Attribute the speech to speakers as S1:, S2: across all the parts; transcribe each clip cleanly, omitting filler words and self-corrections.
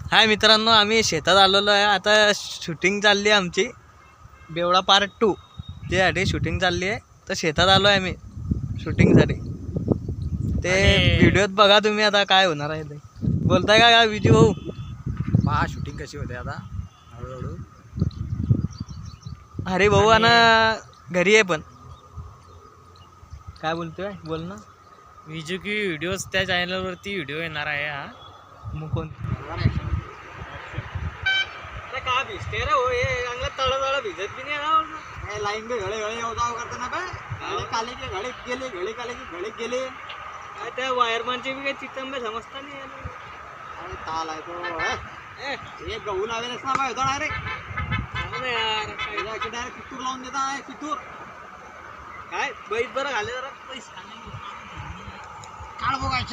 S1: हाय मित्रांनो, आम्ही शेतात आलेलो आहे. आता शूटिंग चालली आहे आमची बेवडा पार्ट 2 त्यासाठी शूटिंग चालली आहे. तर शेतात आलो आहे आम्ही शूटिंगसाठी. ते व्हिडिओत बघा तुम्ही आता काय होणार आहे ते. बोलताय का विजू भाऊ?
S2: पहा शूटिंग कशी होते आता हळूहळू.
S1: अरे भाऊ आणि घरी आहे पण काय बोलतोय बोल ना.
S3: विजू की व्हिडिओज त्या चॅनलवरती व्हिडिओ येणार आहे हा.
S1: मग कोण का भिजते रे हो, हे चांगलं तळ भिजत बी नाही.
S2: लाईन पे घडे घडे येऊ करताना काय काले के घडे गेले घडे काले के घडे गेले.
S1: काय त्या वायरमॅनचे बी काही चितंबे समजता नाही.
S2: अरे ताल आहे तो एक गहू लावेलच ना होता डायरेक्ट
S1: यार
S2: डायरेक्ट कितूर लावून देता आहे कितूर
S1: काय बैस बरं घाले जरा पैसे
S2: काळ बघायच्या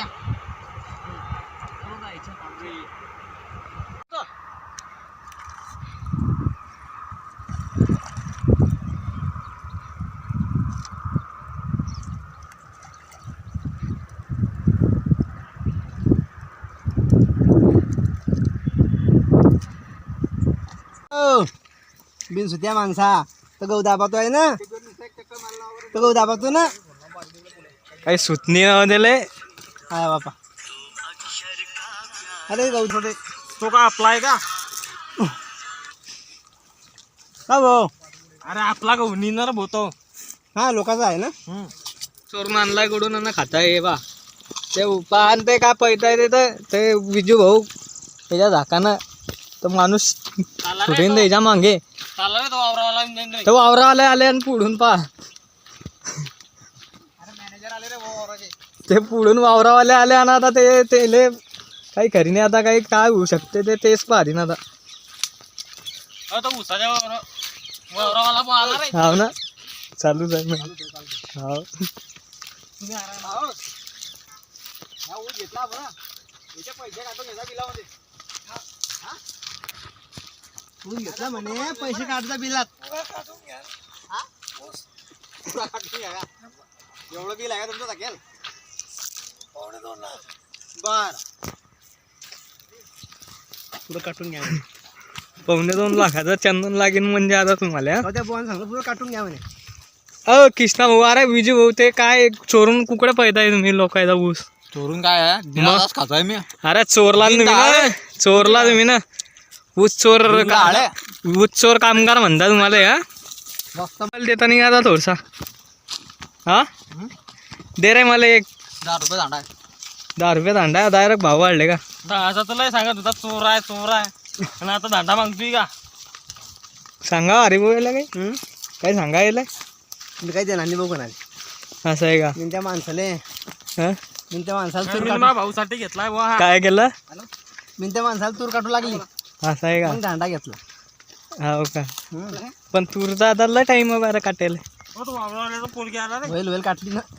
S2: बिन सुत्या माणसा तर गहू दाबातोय ना, तर गहू दाबातो ना.
S1: काही सुतनी दिले
S2: हाय बापा. अरे गहू थोडे
S3: तो का आपला आहे का?
S2: का भाऊ?
S3: अरे आपला का निणार होतो.
S2: हा लोकांचा आहे ना.
S1: चोरून आणलाय कडून आणि खाताय बा. ते पान ते काय पैताय ते विजू भाऊ त्याच्या झाकानं तर माणूस सुटून द्यायच्या मागे
S3: चालला रे तो वावरावाला.
S1: तर वावरावाले आले आणि पुढून पा
S2: मॅनेजर आले रे वावराचे.
S1: ते पुढून वावरावाले आले आणि आता ते तेले काही खरी नाही. आता काही काय होऊ शकते तेच पाहते ना आता.
S3: तो उसाच्या वावरावाला पण आला रे.
S1: हाव ना, चालूच आहे मग. हाव
S2: घेतला बरं याचे पैसे काढतो घेता बिलामध्ये. तू घेतला म्हणे पैसे काढता बिलात. एवढं बिल आहे का तुमचं टाकेल? बर पुढं काटून घ्या.
S1: 2.25 लाखाचं चंदन लागेल म्हणजे आता तुम्हाला.
S2: त्या बोन सांगतो पुढं काटून घ्या म्हणे.
S1: कृष्णा भाऊ, अरे विजू भाऊ ते काय चोरून कुकडे पैताय तुम्ही लोकांचा ऊस?
S2: चोरून काय आहे बिनादास खातोय मी.
S1: अरे चोरला तुम्ही ना, चोरला तुम्ही ना. ऊस चोर ऊस चोर कामगार म्हणता तुम्हाला. हा
S2: जास्त
S1: देता नाही आता थोडसा. हा दे रे मला एक
S2: 10 रुपये दांडा आहे.
S1: 10 रुपये दांडा. डायरेक्ट भाव वाढले का?
S3: असं तुला सांगत होता चोर आहे चोर आहे आणि आता दांडा मागतोय का?
S1: सांगा अरे भाऊ याला काही काय सांगा यायला.
S2: मी काही देणार नाही बघू ना.
S1: असं आहे का?
S2: मी त्या माणसाले
S1: हा
S2: मी त्या माणसाला तूर
S3: मी
S2: काटू
S3: माझ्या भाऊसाठी घेतलाय बुवा हा.
S1: काय केलं?
S2: मी त्या माणसाला तूर काटू लागली
S1: असं आहे का?
S2: मग दांडा घेतला.
S1: हो का? पण तुरचा आता लय टाइम आहे बरं काटेल.
S3: हो, तो वावरावाल्याचा पोरगी आला रे.
S2: वेल काटली ना.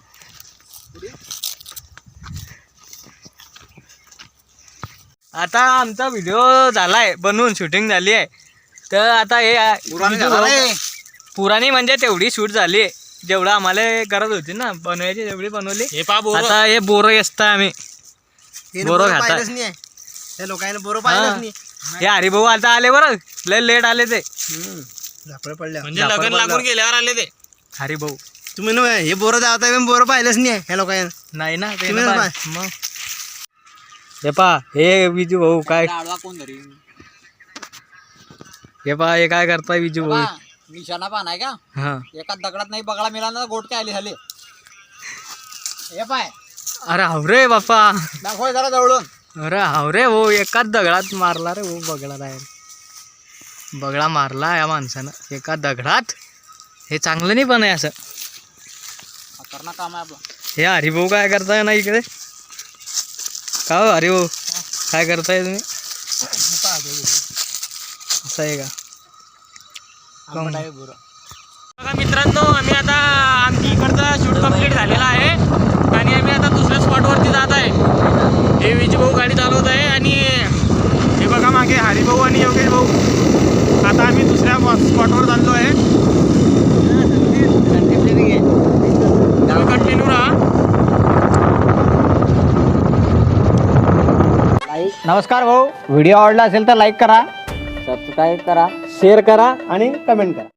S1: आता आमचा व्हिडिओ झालाय बनवून, शूटिंग झाली आहे. तर आता हे पुराणी म्हणजे तेवढी शूट झाली आहे जेवढं आम्हाला गरज होती ना बनवायची तेवढी बनवली.
S3: हे पा बोर
S1: आता हे बोरं असतं आम्ही बोरं खातात.
S2: पाहिलंच नाही त्या लोकांना बोरं पाहिलंच नाही.
S1: हे हरिभाऊ आता आले बरं, लय लेट आले ते
S2: झापड पडल्या
S3: म्हणजे लग्न लागून गेल्यावर आले ते
S1: हरिभाऊ.
S2: तुम्ही ना हे बोरं जाता बोरं पाहिलंच नाही ह्या लोकांना.
S1: नाही ना ते
S2: तुम्ही
S1: ना
S2: ना
S1: पा- मग हे पा हे विजू भाऊ काय,
S2: कोण धरी
S1: हे पा हे काय करताय विजू भाऊ.
S2: निशाणा पान आहे का?
S1: हा
S2: एका दगडात नाही बगळा मिळाला ना गोटके आले झाले. हे पाय
S1: अरे हावरे बापा,
S2: दाखव जरा जवळून.
S1: अरे हावरे हो, एकाच दगडात मारला रे हो बगळा. बाहेर बगळा मारला या माणसानं एका दगडात. हे चांगलं नाही पण आहे असं.
S2: खतरनाक काम आहे आपलं.
S1: हे हरिभाऊ काय करताय ना इकडे? का हो हरिभाऊ काय करताय तुम्ही? असं आहे का?
S3: बघा मित्रांनो, आम्ही आता आमची इकडचा शूट कंप्लीट झालेला आहे आणि आम्ही आता दुसऱ्या स्पॉटवरती जात आहे. हे विजू भाऊ गाडी चालवत आहे आणि हे बघा मागे हरिभाऊ आणि योगेश भाऊ. आता आम्ही दुसऱ्या स्पॉटवर चाललो आहे. कंटिन्यू राहा.
S2: नमस्कार भाऊ, व्हिडिओ आवडला असेल तर लाईक करा,
S4: सबस्क्राईब करा.
S2: शेअर करा आणि कमेंट करा.